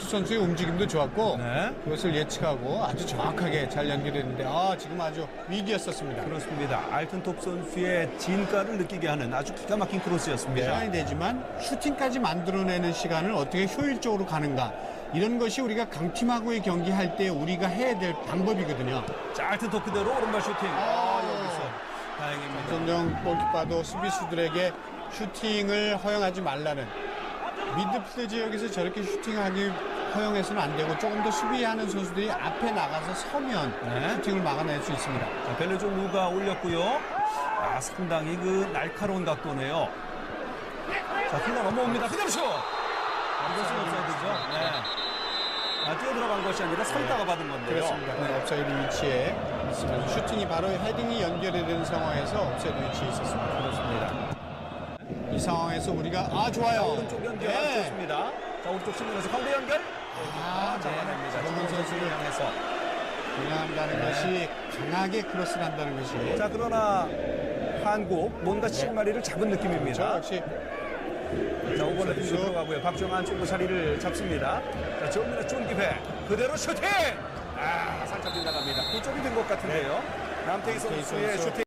선수의 움직임도 좋았고 네. 그것을 예측하고 아주 정확하게 잘 연결했는데 지금 아주 위기였었습니다. 그렇습니다. 알튼톱 선수의 진가를 느끼게 하는 아주 기가 막힌 크로스였습니다. 시간이 되지만 슈팅까지 만들어내는 시간을 어떻게 효율적으로 가는가 이런 것이 우리가 강팀하고의 경기할 때 우리가 해야 될 방법이거든요. 자, 알튼톱 그대로 오른발 슈팅. 여기서 다행입니다. 전정 골키퍼도 수비수들에게 슈팅을 허용하지 말라는 미드필드 지역에서 저렇게 슈팅하기 허용해서는 안 되고 조금 더 수비하는 선수들이 앞에 나가서 서면 네. 슈팅을 막아낼 수 있습니다. 자, 벨레종 루가 올렸고요. 상당히 그 날카로운 각도네요. 자, 흘러 넘어옵니다. 그대로 슛! 이것은 옵사이드죠. 네. 뛰어 들어간 것이 아니라 서있다가 받은 건데요. 그렇습니다. 옵사이드 위치에 있으면서 슈팅이 바로 헤딩이 연결이 되는 상황에서 옵사이드 위치에 있었습니다. 그렇습니다. 이 상황에서 우리가 좋아요. 오른쪽 연결 좋습니다. 자, 오른쪽 측면에서 가운데 연결. 잡아냅니다. 정원 선수를 향해서. 운영한다는 것이 강하게 크로스를 한다는 것이 자, 그러나 한국 뭔가 실마리를 잡은 느낌입니다. 역시 자, 오버래핑도 들어가고요. 박정환 쪽으로 자리를 잡습니다. 자, 정면의 쫀기회 그대로 슈팅! 살짝 빗나갑니다. 그쪽이 된 것 같은데요. 남태희 선수의 슈팅.